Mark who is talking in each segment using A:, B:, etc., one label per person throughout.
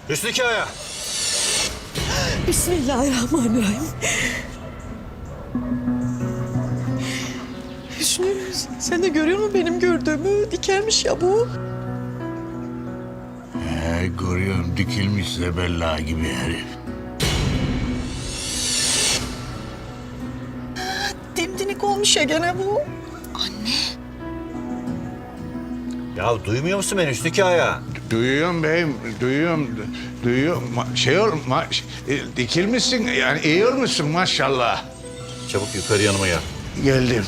A: Hüsnü Kaya.
B: Bismillahirrahmanirrahim. Hüsnü, sen de görüyor musun benim gördüğümü? Dikelmiş ya bu.
C: Görüyorum, dikilmiş zebella gibi herif.
B: Dimdinik olmuş ya gene bu.
A: Ya duymuyor musun beni Hüsnü Kaya?
C: Duyuyorum beyim, duyuyorum. Dikilmişsin, yani iyi olmuşsun maşallah.
A: Çabuk yukarı yanıma gel.
C: Geldim.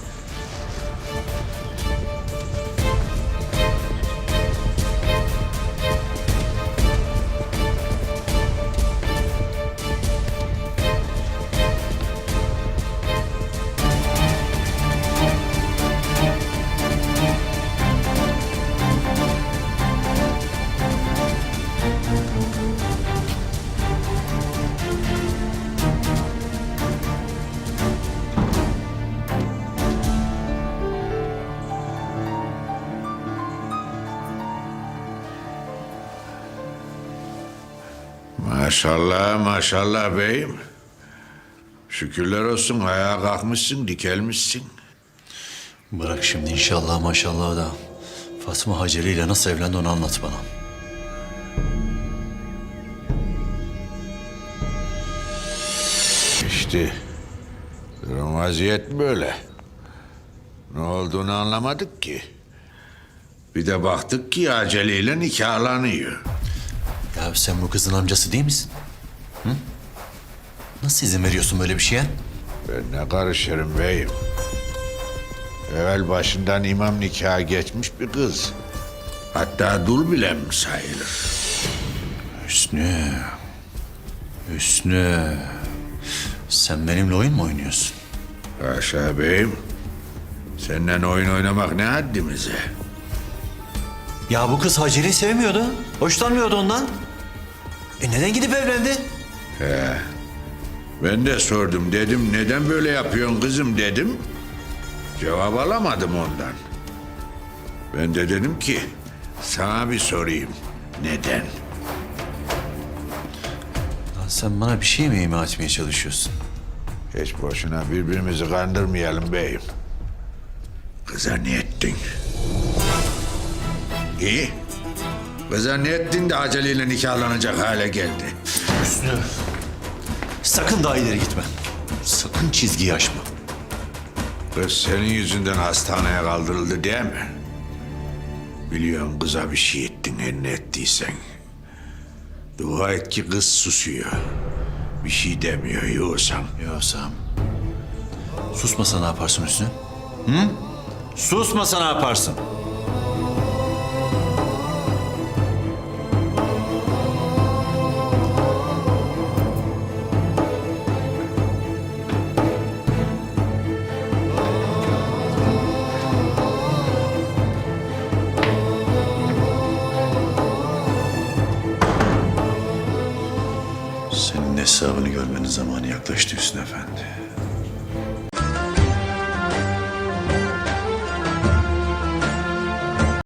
C: Maşallah, maşallah beyim. Şükürler olsun, ayağa kalkmışsın, dikelmişsin.
D: Bırak şimdi inşallah maşallah da Fatma Haceli ile nasıl evlendi onu anlat bana.
C: İşte durum vaziyet böyle. Ne olduğunu anlamadık ki. Bir de baktık ki aceleyle nikahlanıyor.
D: Ya sen bu kızın amcası değil misin? Hı? Nasıl izin veriyorsun böyle bir şeye?
C: Ben ne karışırım beyim. Evvel başından imam nikahı geçmiş bir kız. Hatta dul bile mi sayılır?
D: Hüsnü. Hüsnü. Sen benimle oyun mu oynuyorsun?
C: Haşa beyim. Seninle oyun oynamak ne haddimize?
D: Ya bu kız Haceli'yi sevmiyordu. Hoşlanmıyordu ondan. Neden gidip evlendi?
C: Ben de sordum, dedim neden böyle yapıyorsun kızım dedim. Cevap alamadım ondan. Ben de dedim ki sana bir sorayım. Neden?
D: Lan sen bana bir şey mi ima etmeye çalışıyorsun?
C: Hiç boşuna birbirimizi kandırmayalım beyim. Kıza ne ettin? İyi. Kıza ne ettin de aceleyle nikahlanacak hale geldi?
D: Hüsnü. Sakın daha ileri gitme. Sakın çizgiyi aşma.
C: Kız senin yüzünden hastaneye kaldırıldı değil mi? Biliyorum kıza bir şey ettin her ne ettiysen. Dua et ki kız susuyor. Bir şey demiyor yoksam.
D: Yoksam. Susmasa ne yaparsın Hüsnü? Hı? Susmasa ne yaparsın? Senin hesabını görmenin zamanı yaklaştı Hüsnü Efendi.